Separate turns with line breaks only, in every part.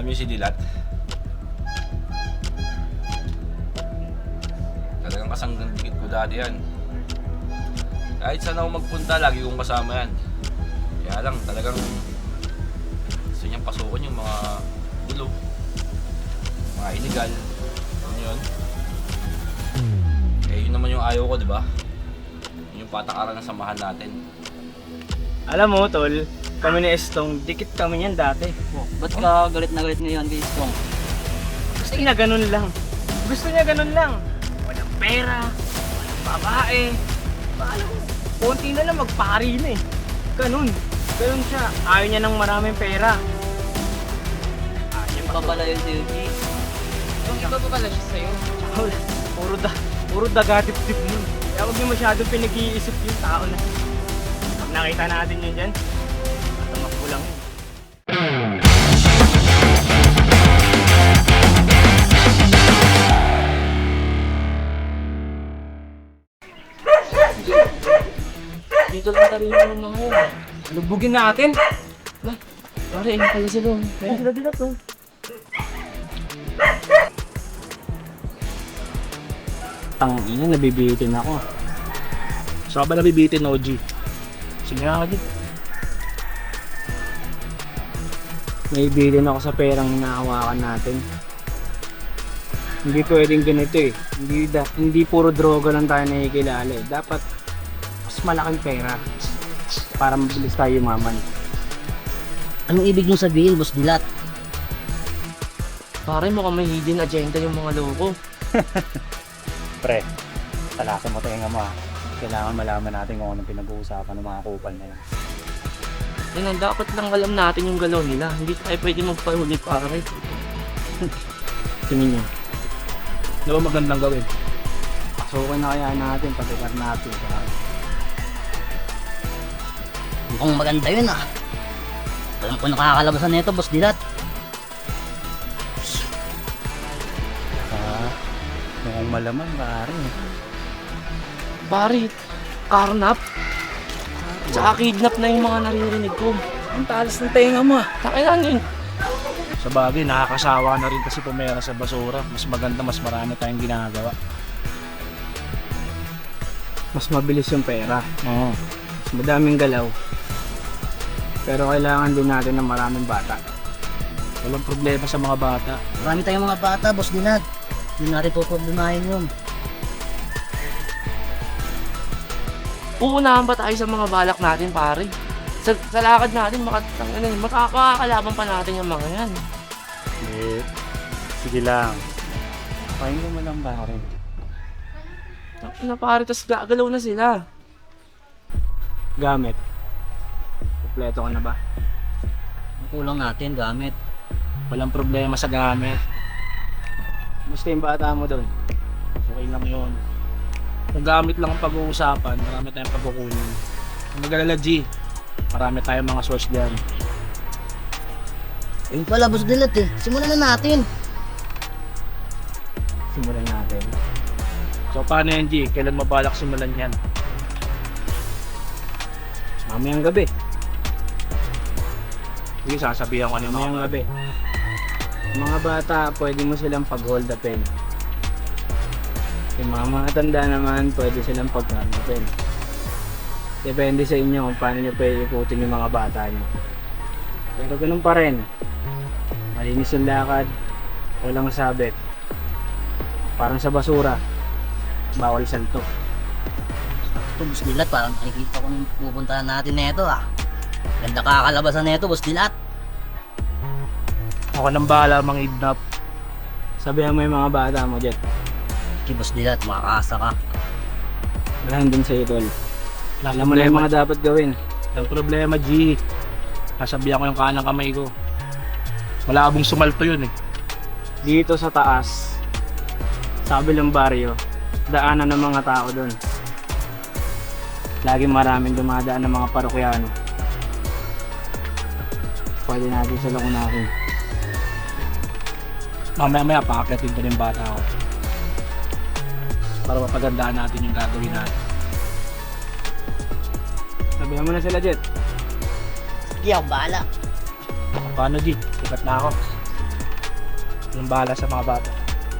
Alam niyo si Dilat? Talagang kasanggang dikit ko dati yan. Kahit saan ako magpunta, lagi kong kasama yan. Kaya lang, talagang gusto niyang pasukan yung mga gulo, mga illegal. Ano yun? Eh, yun naman yung ayaw ko, di ba? Yun yung patakaran ng samahan natin.
Alam mo, tol, kami ni Estong, dikit kami niyan dati.
Oh, ba't ka galit na galit ngayon kay Stong?
Gusto niya ganun lang. Gusto niya ganun lang. Walang pera, walang babae. Paano mo? Konti na lang magpari na eh. Ganun. Ganun siya. Ayaw niya ng maraming pera. Ayaw niya
Pa pala yun si Yuji.
Yung iba pa pala siya sa'yo.
Wala. Puro dagatip-tip mo. Kaya huwag niyo masyadong pinag-iisip yung tao na. Pag nakita natin yun dyan, matamakbo lang yun.
Dito lang tayo yung mga yun.
Lubugin natin.
Pare, ayun pala sila. Ayun sila dila to.
Ang ina, nabibitin ako.
Saan ba nabibitin, OG?
Sige nga agad. Nabibitin ako sa perang hinahawakan natin. Hindi pwedeng ganito eh. Hindi puro droga lang tayo nakikilala eh. Dapat mas malaking pera para mabilis tayo yumaman.
Anong ibig nyo sabihin, Boss Dilat?
Pare, mukhang may hidden agenda yung mga loko.
Pre, talasan mo tayo nga kailangan malaman natin kung anong pinag-uusapan ng mga kupal na yun.
Yan ang dapat lang alam natin yung galaw nila. Hindi tayo pwede magpahuli, pare.
Tingin nyo,
Ano ba magandang gawin?
pasukan na kaya natin pagkakar natin.
Mukhang maganda yun ah. Alam ko nakakalabasan nito, Boss Dilat.
Mukhang malaman, pare.
Pare, karnap. Tsaka kidnap na yung mga naririnig ko.
Ang talas ng tenga mo.
Takinan yun.
Sa bagay, nakakasawa na rin kasi pumera sa basura. Mas maganda, mas marami tayong ginagawa.
Mas mabilis yung pera.
Oo.
Mas madaming galaw. Pero kailangan din natin ng maraming bata.
Walang problema sa mga bata.
Marami tayong mga bata, Boss Dilat. Hindi natin po problemahin yun.
Uunahan pa tayo sa mga balak natin, pare. Sa lakad natin, makakalaban pa natin yung mga yan.
Eh, sige lang. Pakinggan mo lang pare.
Na pare, tas gagalaw na sila.
Gamit. Kompleto ka na ba?
Ang kulang natin, gamit.
Walang problema sa gamit.
Gusto yung bata mo doon?
Okay lang yun. Kung gamit lang ang pag-uusapan, marami tayong pagkukunin. Kung mag-alala, G, marami tayong mga source dyan.
Ayun pala, Boss Dilat eh. Simulan na natin.
Simulan natin.
So paano yan, G? Kailan mabalak simulan yan?
Mamayang gabi.
Sige, sasabihan ko ano yung
Mamayang
mga
gabi. Mga bata, pwede mo silang pag-hold the pen. Yung mga matanda naman, pwede silang pag-hold the pen. Depende sa inyo kung paano nyo pwede ikutin yung mga bata nyo. Pero ganun pa rin. Malinis yung lakad, walang sabit. Parang sa basura, bawal salto.
Ito, Boss Dilat, parang nakikita ko nung pupuntahan natin na ito ah. Ganda kakalabasan na ito, Boss Dilat.
Ako nang bahala mang idnap.
Sabihan mo yung mga bata mo, Jet.
Si Boss Dilat, makakasa ka.
Wala din sa'yo, tol. Alam mo na yung mga dapat gawin.
Ang problema, G, sasabihan ko yung kanang kamay ko. Malabong sumalto yun eh.
Dito sa taas, sa kabilang baryo, daanan ng mga tao doon. Laging maraming dumadaan ng mga parokyano. Pwede natin sila unahin.
Mamaya-maya, pakakyatin ko yung bata ko. Para mapagandaan natin yung gagawin natin.
Sabihan mo na sila, Jet.
Sige, ako bahala.
Paano, G? Sikat na ako.
Yung bahala sa mga bata.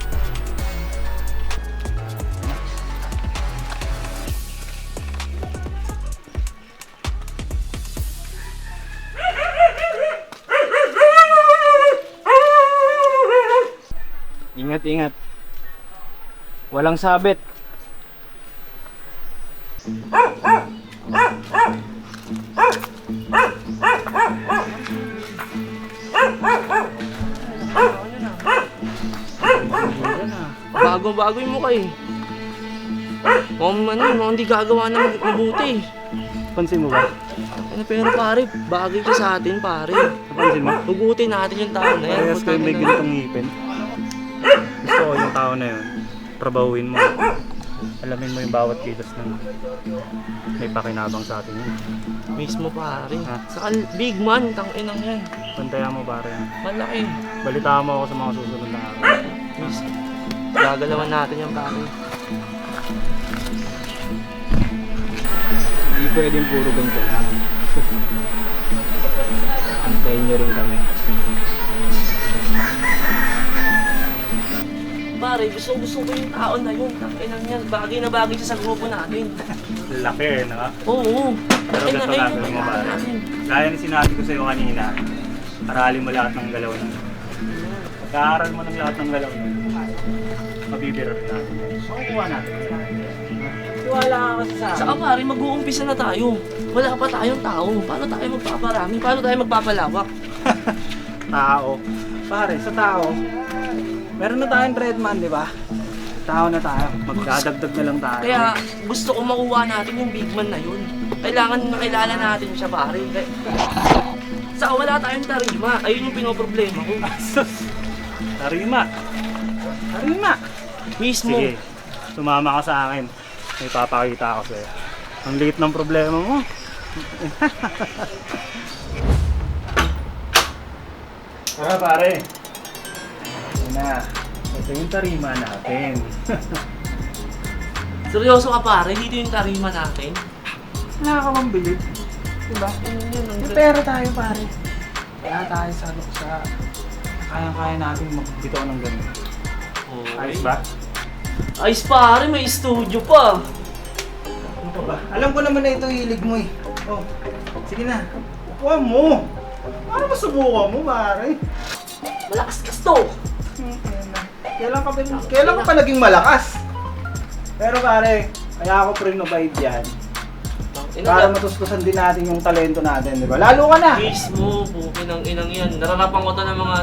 Ingat, ingat. Walang sabit.
Bago-bago yung mukha eh. Mukhang hindi gagawa na mabuti.
Pansin mo ba?
Ano, pero pare, bagay ka sa atin pare.
Napansin mo?
Hugutin natin yung tao na yan.
Parehas kayo may ganitong ngipin. Gusto ko yung tao na yun. Trabahuin mo. Alamin mo yung bawat kilos ng may pakinabang sa atin yun.
Mismo pare.
Ha?
Saka big man, tanginang yan.
Pantayan mo pare.
Malaki.
Balitaan mo ako sa mga susunod na araw.
Mismo. Gagalawan natin yan pare.
Hindi pwedeng puro ganito lang. Antayin nyo rin kami.
Pare, gusto ko yung tao na yun. Tanginang yan. Bagay na bagay siya sa grupo natin.
Laki, no?
Oo.
Pero ganito gagawin mo pare. Gaya na sinabi ko sa'yo kanina, aralin mo lahat ng galaw nun. Pag-aaral mo ng lahat ng galaw nun, mabibiro rin natin. Makukuha natin. Tiwala ka kasi sa
Saka pare, mag-uumpisa na tayo. Wala pa tayong tao. Paano tayo magpaparami? Paano tayo magpapalawak?
tao. Pare, sa tao, meron na tayong Redman, di ba? Tao na tayo. Magdadagdag na lang tayo.
Kaya gusto ko makuha natin yung big man na yun. Kailangan makilala natin siya pare. Saka wala tayong tarima. Ayun yung pinoproblema ko.
Tarima. Tarima.
Mismo.
Sige, sumama ka sa akin. May papakita ako sa'yo. Ang liit ng problema mo. Tara pare. Yan na. Ito yung tarima natin.
Seryoso ka pare, dito yung tarima natin.
Wala ka bang bilib? Diba? May pera tayo pare. Kaya tayo sa kaya-kaya natin magbitaw ng ganun. Ayos ba?
Ayos pare, may studio pa.
Ano pa ba? Alam ko naman na ito hilig mo eh. Oh, sige na. Upuan mo. Para masubukan mo pare.
Malakas ka to.
Kailan ka pa naging malakas? Pero pare, kaya ako pre-novide yan. Para matustusan din natin yung talento natin, di ba? Lalo ka na!
Mismo, bukin ng inang yan. Nararapan ko to ng mga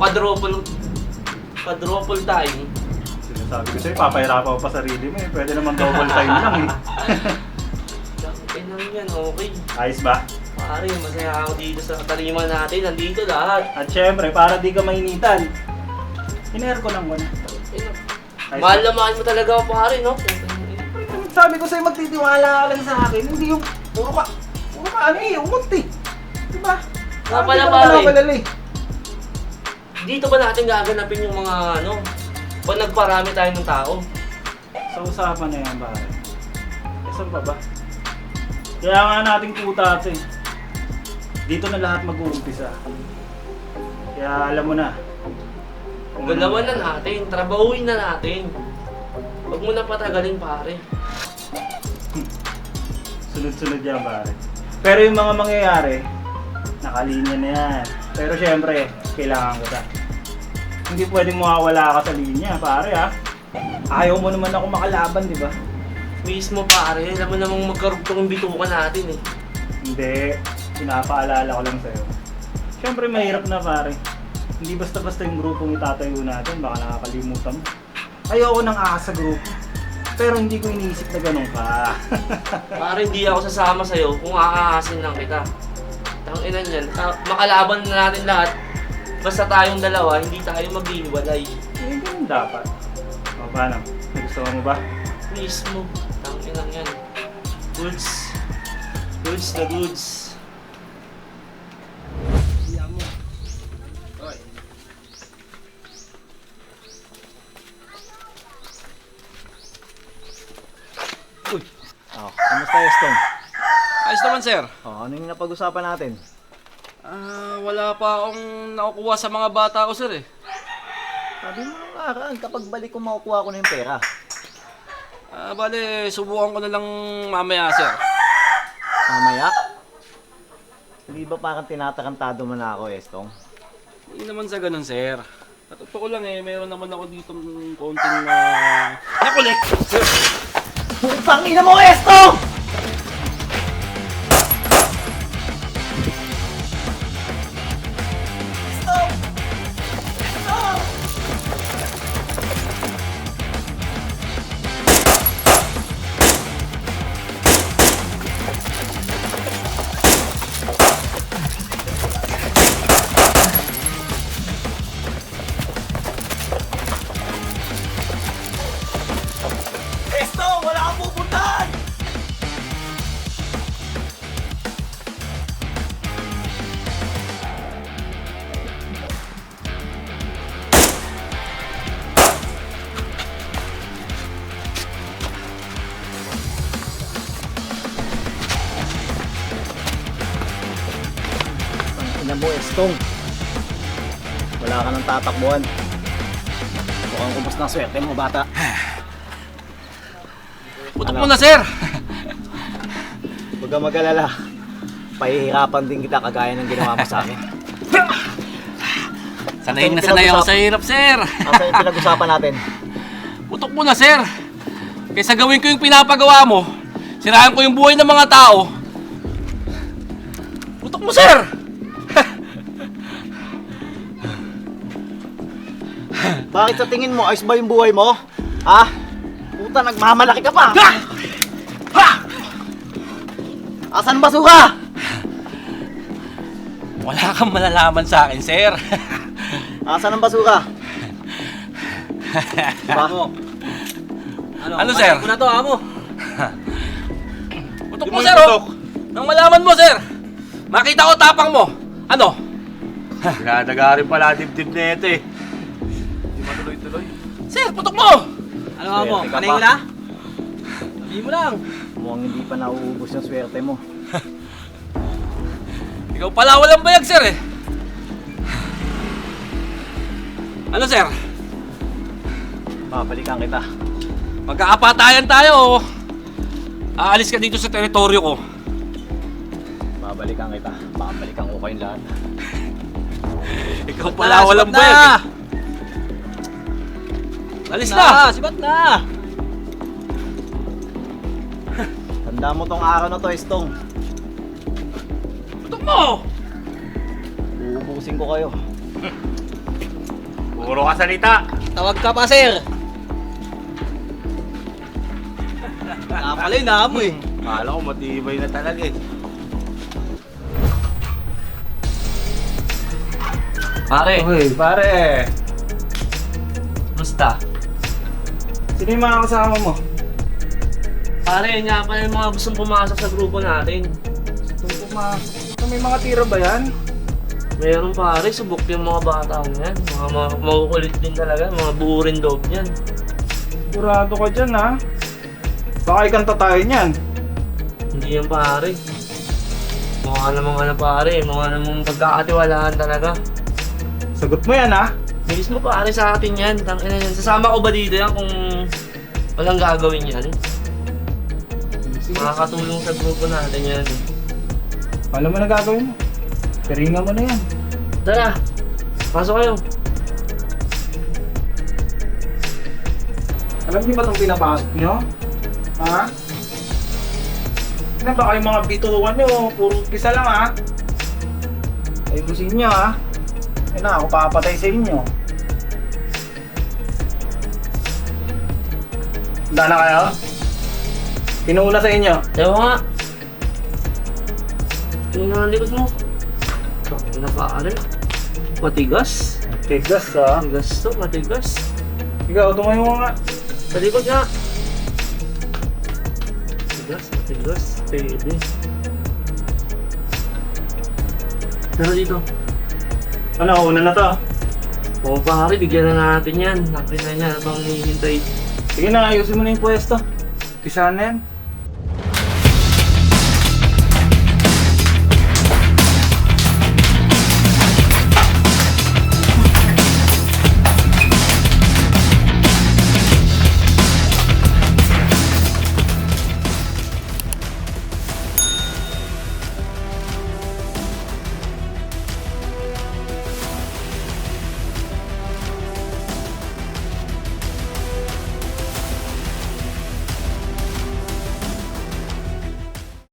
quadruple time.
Sinasabi ko sa'yo, papahirapan ko pa sarili mo eh. Pwede naman double time lang eh.
Inang yan, okay.
Ayos ba?
Pare, masaya ako dito sa tarima natin. Nandito lahat.
At syempre, para di ka mainitan, in-aircon mo na. Ayos
Mahal
ba?
na mahal mo talaga ako pare, no?
Sabi ko sa'yo, magtitiwala ka lang sa akin. Hindi yung puro ka ano eh, umot eh. Diba?
Nga pala,
Hindi ka
pare.
naman nakalala eh.
Dito ba natin gaganapin yung mga pag nagparami tayo ng tao?
Sa usapan na yan, pare. Eh, saan pa ba? Kaya nga nating puta ito eh. Dito na lahat mag-uumpisa. Kaya alam mo na.
Galawan na natin, trabahuin na natin. Huwag mo na patagalin pare.
Sunod-sunod yan, pare. Pero yung mga mangyayari, nakalinya na yan. Pero syempre, kailangan ko ta. Hindi pwedeng mawawala ka sa linya, pare ha. Ayaw mo naman ako makalaban, di ba?
Mismo pare, alam mo namang magkarugtong yung bitukan natin eh.
Hindi, pinapaalala ko lang sa'yo. Syempre mahirap na pare. Hindi basta-basta yung grupong itatayo natin, baka nakakalimutan mo. Ayoko nang aasa grupo. Pero hindi ko iniisip na ganun ka.
Pare, hindi ako sasama sa'yo kung aahasin lang kita. Tanginan yan, makalaban na natin lahat. Basta tayong dalawa, hindi tayo maghihiwalay.
Eh, ganun dapat. O, paano? Gusto mo ba?
Mismo, tanginan yan. Goods. Goods na goods.
Kamusta Eston?
Ayos naman, sir.
Ano yung napag-usapan natin?
Wala pa akong nakukuha sa mga bata ko, sir eh.
Sabi mo nung nakaraan, kapag balik ko makukuha ko na yung pera.
Bale, subukan ko na lang mamaya, sir.
Mamaya? Hindi ba parang tinatarantado mo na ako, Estong?
Hindi naman sa ganun, sir. Totoo lang mayroon naman ako dito konting nakulik. Sir,
Putang ina mo, Estong! Estong, wala kang pupuntahan! Ina mo, Estong. Wala ka nang tatakbuhan. Mukhang ubos na swerte mo, bata.
putok mo na, sir.
Huwag kang mag-alala. Pahihirapan din kita kagaya ng ginawa mo sa akin.
Sanayin na sanay ako sa hirap, sir.
Asa yung pinag-usapan natin?
Putok mo na, sir. Kaysa gawin ko yung pinapagawa mo, sirahan ko yung buhay ng mga tao. Putok mo, sir.
Bakit sa tingin mo, ayos ba yung buhay mo? Ha? Puta, nagmamalaki ka pa!
Ha! Ha!
Asan basuka?
Wala kang malalaman sa akin, sir.
Asan ang basuka? Ba?
Ano, sir?
Ano to, amo?
Putok mo, sir, oh. Nang malaman mo, sir. Makita ko tapang mo. Ano?
Pinadagari pala dibdib na ito eh.
Di matuloy-tuloy. Sir, putok mo!
Ano amo?
Swerte ka
Panay
pa.
mo na? Sabihin mo lang.
Mukhang hindi pa nauubos yung swerte mo.
Ikaw pala walang bayag, sir, eh. Ano, sir?
Babalikan kita.
Magkaapatayan tayo, oh. Aalis ka dito sa teritoryo ko.
Babalikan kita. Babalikan ko kayong lahat.
Ikaw pala walang bayag, eh. Alis na!
Sibat na!
Tanda mo tong araw na to, Estong.
Putok mo!
Uubusin ko kayo.
Puro ka salita.
Tawag ka pa, sir! Nakapala yun, amo eh.
Akala ko matibay na talaga eh.
Pare,
Uy, pare.
musta?
Sino yung mga kasama mo?
Pare, yun nga pala yung mga gustong pumasok sa grupo natin.
May mga tira ba yan?
Meron pare, subok yung mga bata yan. Mga makukulit din talaga, mga buo rin loob yan.
Sigurado ka dyan, ha? Baka ikanta tayo niyan.
Hindi yan pare. Mukha namang ano pare, mukha namang pagkakatiwalaan talaga.
Sagot mo yan, ha?
Bilis mo pare sa atin yan. Tangina yan. Sasama ko ba dito yan kung walang gagawin yan? Makakatulong sa grupo natin yan.
Alam mo na gagawin mo. Piringan mo na yan.
Tara, pasok kayo.
Alam niyo ba itong pinapasok nyo? Ha? Ano ba kayong mga bitukan nyo? Puro pisa lang, ha? Ayusin nyo, ha? Ayun na, ako papatay sa inyo. Handa na kayo? Pinuuna sa inyo.
Ewan nga. Tingnan ang likod mo. Ano pare? Matigas.
Tigas, ha?
Matigas to, matigas.
Ikaw, tumayo mo nga.
Sa likod nga. Matigas, matigas. Pwede. Pero dito.
Ano, una na to?
Oo pare, bigyan na natin yan. Nakin na niya habang hinihintay.
Sige na, ayusin mo na yung pwesto. Pisahan na yan.